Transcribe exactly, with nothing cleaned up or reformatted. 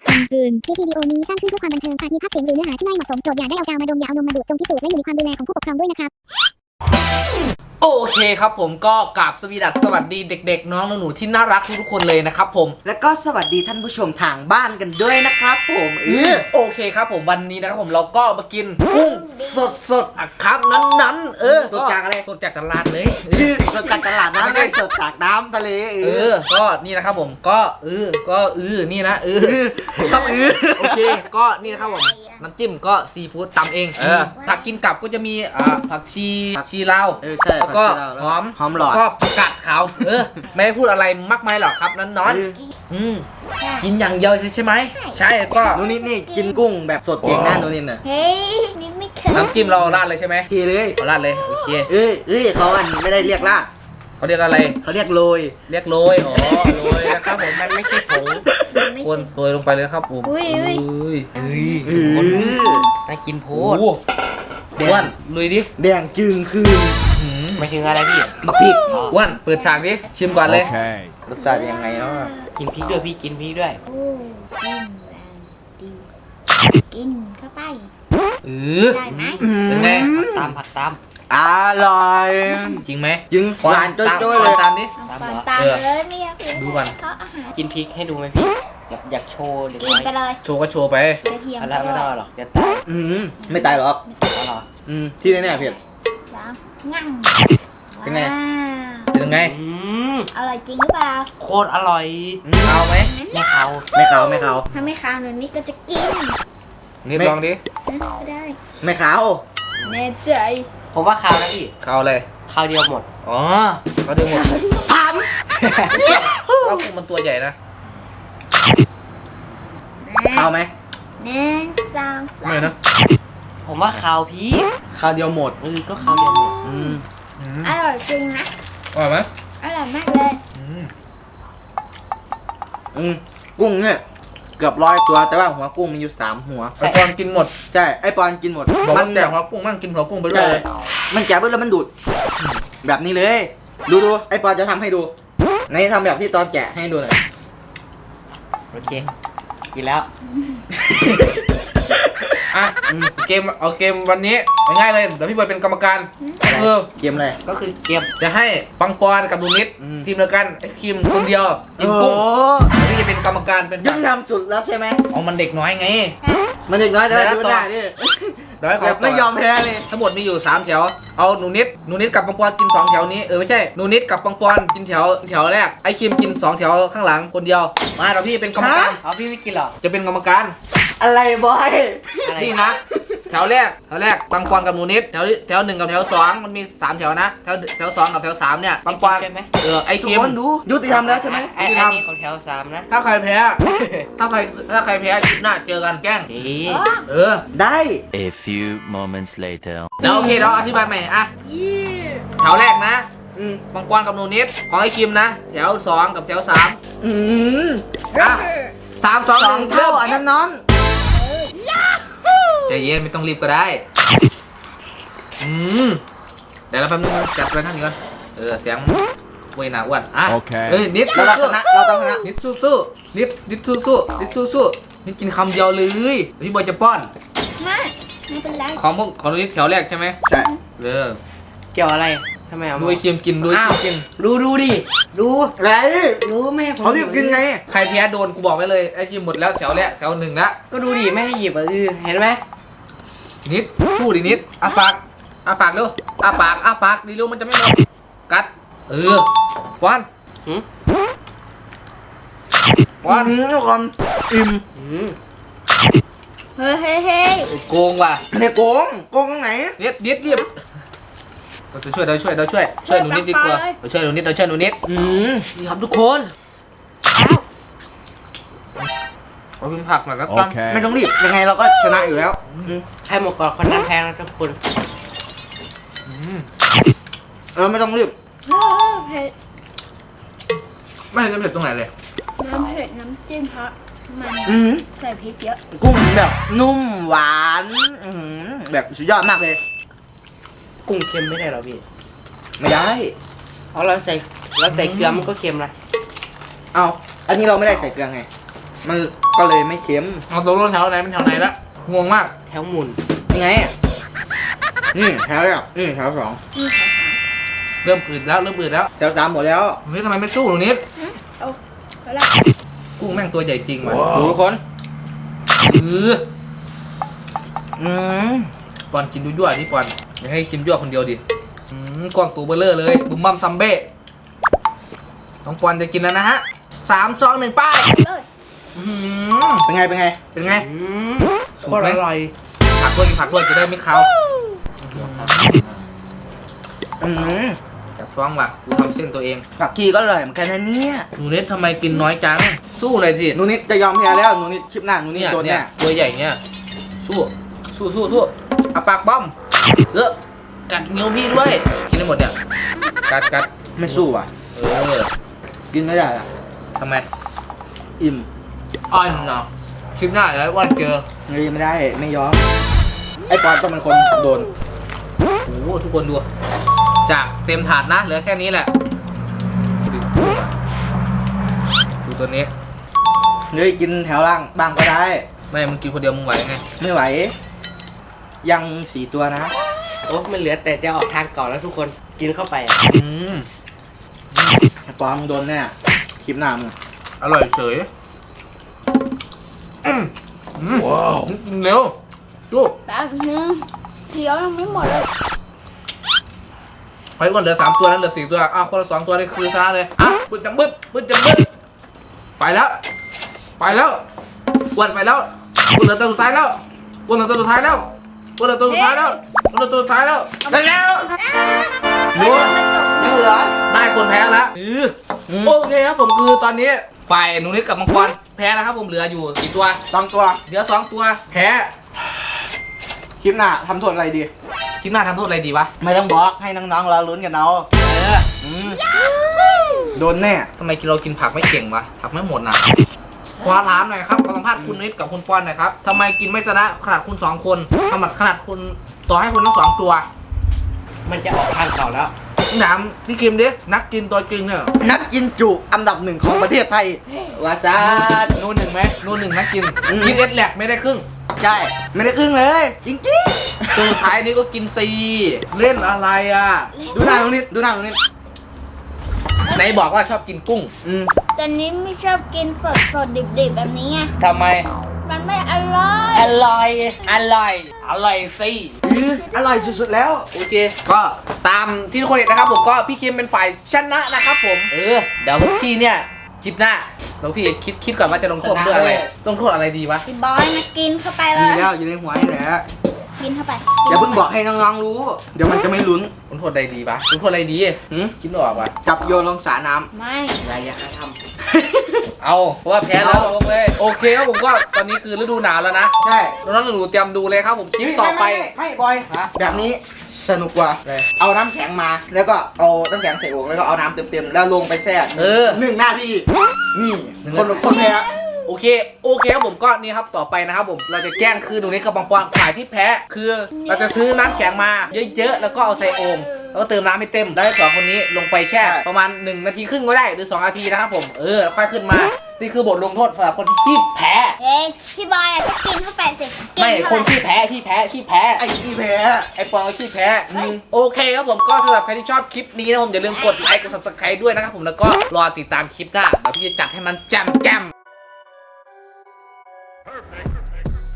กลางคืนคลิปวิดีโอนี้สร้างขึ้นเพื่อความบันเทิงอาจมีภาพเสียงหรือเนื้อหาที่ไม่เหมาะสมโปรดอย่าได้เอากาวมาดมอย่าเอานมมาดูดจงพิสูจน์และอยู่ในความดูแลของผู้ปกครองด้วยนะครับโอเคครับผมก็กราบสวีดัสสวัสดีเด็กๆน้องหนูๆที่น่ารักทุกๆคนเลยนะครับผมแล้วก็สวัสดีท่านผู้ชมทางบ้านกันด้วยนะครับผมเออโอเคครับผมวันนี้นะครับผมเราก็มากินกุ้งสดๆอ่ะครับนั้นๆเออสดจากอะไรสดจากตลาดเลยสดจากตลาดน้ำไม่ได้สดจากน้ำทะเลเออก็นี่นะครับผมก็เออก็เออนี่นะเออครับเออโอเคก็นี่นะครับผมน้ำจิ้มก็ซีฟู้ดตำเองเออผักกินกับก็จะมีอ่าผักชีผักชีลาวแล้วก็หอมหอมหลอดก็ผักกาดขาวเออไม่พูดอะไรมากมายหรอกครับนั้นนอนอืมกินอย่างเดียวใช่ไหมใช่ก็นูนิดนี่กินกุ้งแบบสดเก่งแน่นูนิดน่ะเฮ้ยนี่ไม่เคยน้ำจิ้มเราราดเลยใช่ไหมเทเลยเราราดเลยโอเคเอ้ยเอ้ยเขาอันไม่ได้เรียกราดเขาเรียกอะไรเขาเรียกโรยเรียกโรยอ๋อโรยนะครับผมมันไม่ใช่ผงคนโรยลงไปเลยครับผมอุ้ยอุ้ยอุ้ยน่ากินโพดอ้วนลุยดิแดงจึงคืนไม่ถึงอะไรพี่บักพริกอ้วนเปิดฉากดิชิมก่อนเลยรสชาติยังไงเนาะกินพริกด้วยพี่กินพริกด้วยกินเข้าไปเออได้ไหมเป็นไงผักตามผักตามอร่อยจริงไหมจริงหวานจ้อยๆเลยตามดิตามตามเลยไม่อยากดูก่อนกินพริกให้ดูไหมพี่อยากอยากโชว์เด็กน้อยไปเลยโชว์ก็โชว์ไปอะไรไม่ต้องหรอกจะตายอืมไม่ตายหรอกอ๋อเหรออืมที่แน่ๆเพียรงั้งเป็นไงเป็นไงอร่อยจริงหรือเปล่าโคตรอร่อยเอาไหมไม่เขาไม่เขาไม่เขาถ้าไม่ข้าวแบบนี้ก็จะกินนี่ลองดิได้ไม่เขาแน่ใจผมว่าข้าวนะพี่ข้าวอะไรข้าวเดียวหมดอ๋อข้าวเดียวหมดทำข้าวกุ้งมันตัวใหญ่นะข้าวไหมหนึ่งสองสามไม่นะผมว่าข้าวพี่ข้าวเดียวหมดเออก็ข้าวเดียวหมดอืมอร่อยจริงนะอร่อยไหมอร่อยมากเลยอืมกุ้งเนี่ยเกือบร้อยตัวแต่ว่าหัวกุ้งมีอยู่สามหัวไอปอนกินหมดใช่ไอปอนกินหมดมันแจกหัวกุ้งมันกินหัวกุ้งไปด้วยมันแจกไปแล้วมันดูดแบบนี้เลยดูดูไอปอนจะทำให้ดูในทำแบบที่ตอนแกะให้ดูหน่อยโอเคกินแล้วอ่ะเกมเอาเกมวันนี้ง่ายเลยเดี๋ยวพี่บอยเป็นกรรมการเออเกมอะไรก็คือเกมจะให้ปังปอนกับลูนิดทีมเดียวกันไอ้คิมคนเดียวกินกุ้งนี่จะเป็นกรรมการเป็นยุติธรรมสุดแล้วใช่ไหมเอามันเด็กน้อยไงมันเด็กน้อยแต่ดูได้ดิเดี๋ยวเขาไม่ยอมแพ้เลยทั้งหมดมีอยู่สามแถวเอาหนูนิดหนูนิดกับปังปอนกินสองแถวนี้เออไม่ใช่หนูนิดกับปังปอนกินแถวแถวแรกไอ้คิมกินสองแถวข้างหลังคนเดียวมาเราพี่เป็นกรรมการเอาพี่ไม่กินหรอจะเป็นกรรมการอะไรบอยนี่นะแถวแรกแถวแรกปังปอนกับหนูนิดแถวแถวหนึ่งกับแถวสองมันมีสามแถวนะแถวแถวสองกับแถวสามเนี่ยปังปอนเออไอ้คิมดูยุติธรรมแล้วใช่ไหมยุติธรรมของแถวสามนะถ้าใครแพ้ถ้าใครถ้าใครแพ้คลิปหน้าเจอกันแกล้งเออได้ A few moments later แล้วโอเคเราอธิบายใหม่อ่ะแถวแรกนะปังปอนกับหนูนิดของไอ้คิมนะแถวสองกับแถวสามอืมอ่ะสามสองหนึ่งเท่าอันนั้นนอนใจเย็นไม่ต้องรีบก็ได้อืมเดี๋ยวเราแป๊บนึงจัดไปท่านนี้ก่อนเออเสียงเว้ยหนาอ้วนอ่ะเฮ้ยนิดเราชนะเราต้องชนะนิดสู้สู้นิดนิดสู้สู้นิดสู้สู้นิดกินคำเดียวเลยพี่บอยจะป้อนไม่ไม่เป็นไรของพวกของนิดแถวแรกใช่ไหมใช่เออเกี่ยวอะไรทำไมเอาดูไอ้เคียมกินดูไอ้กินดูดูดิดูอะไรรู้ไหมเขารีบกินไงใครแพ้โดนกูบอกไว้เลยไอ้คิมหมดแล้วแถวแรกแถวหนึ่งละก็ดูดิไม่ให้หยิบอ่ะเออเห็นไหมนิดสู้ดินิดอ้าปากอ้าปากเร็วอ้าปากอ้าปากดีเร็วมันจะไม่หมดกัดเออวันวันทุกคนอิ่มเฮ้ยเฮ้ยเฮ้ยโกงว่ะเนี่ยโกงโกงตรงไหนเด็ดเด็ดเรียบเราจะช่วยเราช่วยเราช่วยช่วยหนูนิดดีกว่าเราช่วยหนูนิดเราช่วยหนูนิดอืมนี่ครับทุกคนเราพิมพ์ผักหน่อยก็กันไม่ต้องรีบยังไงเราก็ชนะอยู่แล้วใครหมดก่อนคนนั้นแพ้นะทุกคนเราไม่ต้องรีบเผ็ดไม่เห็นจะเผ็ดตรงไหนเลยน้ำเผ็ดน้ำจิ้มเพราะมันใส่พริกเยอะกุ้งแบบนุ่มหวานแบบสุดยอดมากเลยกุ้งเค็มไม่ได้หรอพี่ไม่ได้เพราะเราใส่เราใส่เกลือมันก็เค็มนะเอาอันนี้เราไม่ได้ใส่เกลือไงมันก็เลยไม่เค็มเอาตัวรถแถวไหนเป็นแถวไหนละงงมากแถวหมุนยังไงนี่แถวแรกนี่แถวสองเริ่มอืดแล้วเริ่มอืดแล้วแถวสามหมดแล้วเฮ้ยทำไมไม่สู้ตรงนี้เอาเอาละกุ้งแม่งตัวใหญ่จริงว่ะดูทุกคนเอออืมปอนกินยั่วๆนี่ปอนอย่าให้กินยั่วคนเดียวดิอืมกล้องตัวเบลเลอร์เลยบุ้มบัมซัมเบ้น้องปอนจะกินแล้วนะฮะสามสองหนึ่งป้ายเลยอื้อหือเป็นไงเป็นไงเป็นไงอืมโคตรอร่อยผักด้วยกินผักด้วยจะได้ไม่คาวอืมจับฟ้องว่ะกูทำเส้นตัวเองผักชีก็อร่อยเหมือนกันนะเนี่ยหนูเน็ตทำไมกินน้อยจังสู้เลยสิหนูนิดจะยอมแพ้แล้วหนูนิดคลิปหน้าหนูนิดเนี่ยโดนเนี่แน่ยตัวใหญ่เนี่ยสู้สู้สู้สู้เอาปากบ้อมเออกัดนิ้วพี่ด้วยกินได้หมดเนี่ยกัดกัดไม่สู้อ่ะเออกินไม่ได้อ่ะทำไมอิ่มอ้อนเนาะคลิปหน้าเดี๋ยวไอ้อ้วันเจอเฮ้ยไม่ได้ไม่ยอมไอ้ปอนต้องเป็นคนโดนโอ้โหทุกคนดู จากเต็มถาดนะเหลือแค่นี้แหละดูตัวนี้เฮ้ยกินแถวล่างบ้างก็ได้ไม่มึงกินคนเดียวมึงไหวไงไม่ไหว ยังสี่ตัวนะโอ้มันเหลือแต่จะออกทางเก่าแล้วทุกคนกินเข้าไปอืมไอ้ปอนมึงโดนแน่คลิปหน้ามึงอร่อยเฉยอืมอืมว้าวกินเร็วลูกแป๊บนึงเดี๋ยวยังไม่หมดเลยไปก่อนเหลือสามตัวนั้นเหลือสี่ตัวอ้าวคนละสองตัวนี่คือชนะเลยอ่ะบึ้ดจังบึ้ดบึ้ดจังบึ้ดไปแล้ว ไปแล้วอ้วนไปแล้วอ้วนเหลือตัวสุดท้ายแล้วอ้วนเหลือตัวสุดท้ายแล้วอ้วนเหลือตัวสุดท้ายแล้วอ้วนเหลือตัวสุดท้ายแล้วได้แล้วดูยังเหลือได้คนแพ้แล้วอืมโอเคครับผมคือตอนนี้ฝ่ายหนูนิดกับมังกรแพ้นะครับผมเหลืออยู่กี่ตัวสองตัวเหลือสองตัวแพ้คลิปหน้าทำโทษอะไรดีคลิปหน้าทำโทษอะไรดีวะไม่ต้องบอกให้น้องๆเราลุ้นกันเอาเอออืมโดนแน่ทำไมเรากินผักไม่เก่งวะผักไม่หมดน่ะขอถามหน่อยครับขอสัมภาษณ์คุณนิดกับคุณปอนหน่อยครับทำไมกินไม่ชนะขนาดคุณสองคนทำไมขนาดคุณต่อให้คุณทั้งสองตัวมันจะออกทางเก่าแล้วถามพี่กิมดินักกินตัวจริงเนี่ยนักกินจุอันดับหนึ่งของประเทศไทย วาซาดโน่นหนึ่งไหมโน่นหนึ่งนักกินอืมกินเอสแหลกไม่ได้ครึ่งใช่ไม่ได้ครึ่งเลย จริงตัวสุดท้ายนี้ก็กินซีเล่นอะไรอ่ะๆ ดูหน้าตรงนี้ดูหน้าตรงนี้ไหนบอกว่าชอบกินกุ้งอืมแต่นี้ไม่ชอบกินสดสดดิบดิบๆแบบนี้ไงทำไมมันไม่อร่อยอร่อย อร่อย อร่อยสิอื้ออร่อยสุดๆแล้วโอเค ก็ตามที่ทุกคนเห็นนะครับผมก็พี่คิมเป็นฝ่ายชนะนะครับผม เออ เดี๋ยวพวกพี่เนี่ยคลิปหน้าเราพี่คิดคิดก่อนว่าจะลงโทษด้วยอะไร ลงโทษอะไรดีวะพี่บอยนะกินเข้าไปเลมียแล้วอยู่ในหัวนี่แหละกินเข้าไปอย่าเพิ่งบอกให้น้องๆรู้ เดี๋ยวมันจะไม่ลุ้นลงโทษอะไรดีวะลงโทษอะไรดีหืมคิดไม่ออกวะจับโยนลงสระน้ไม่อย่าอย่าทเอาเพราะว่าแพ้แล้วลงเลย โอเคครับผมก็ตอนนี้คือฤดูหนาวแล้วนะำใช่น้องๆหนูๆเตรียมดูเลยครับผมคลิปต่อไปม่ม่ไม่ไม่บอยฮะแบบนี้สนุกกว่าเลยเอาน้ำแข็งมา แล้วก็เอาน้ำแข็งใส่โอ่งแล้วก็เอาน้ำเต็มๆแล้วลงไปแช่เออหนึ่งนาทีนี่หนึ่งคนนาทีคนแพ้โอเค โอเคครับผมก็นี่ครับต่อไปนะครับผม เราจะแกล้งคือหนูนิดกับปังปอนฝ่ายที่แพ้ คือเราจะซื้อน้ำแข็งมาเยอะๆ แล้วก็เอาใส่โอ่งแล้วก็เติมน้ำให้เต็ม แล้วให้สองคนนี้ลงไปแช่ประมาณหนึ่งนาทีครึ่งก็ได้ หรือสองนาทีนะครับผม เออแล้วค่อยขึ้นมา นี่คือบทลงโทษสำหรับคนที่แพ้เอ้ยพี่บอยอะก็กินเข้าไปสิกิไม่เข้าคนไปที่แพ้ที่แพ้ที่แพ้ไอ้ที่แพ้ไอ้ปองก็ขี้แพ้อืมโอเคครับผมก็สำหรับใครที่ชอบคลิปนี้นะผมอย่าลืมกดไลค์กด ซับสไครบ์ ด้วยนะครับผมแล้วก็รอติดตามคลิปหน้าเดี๋ยวพี่จะจัดให้มันแจ่มแจ่ม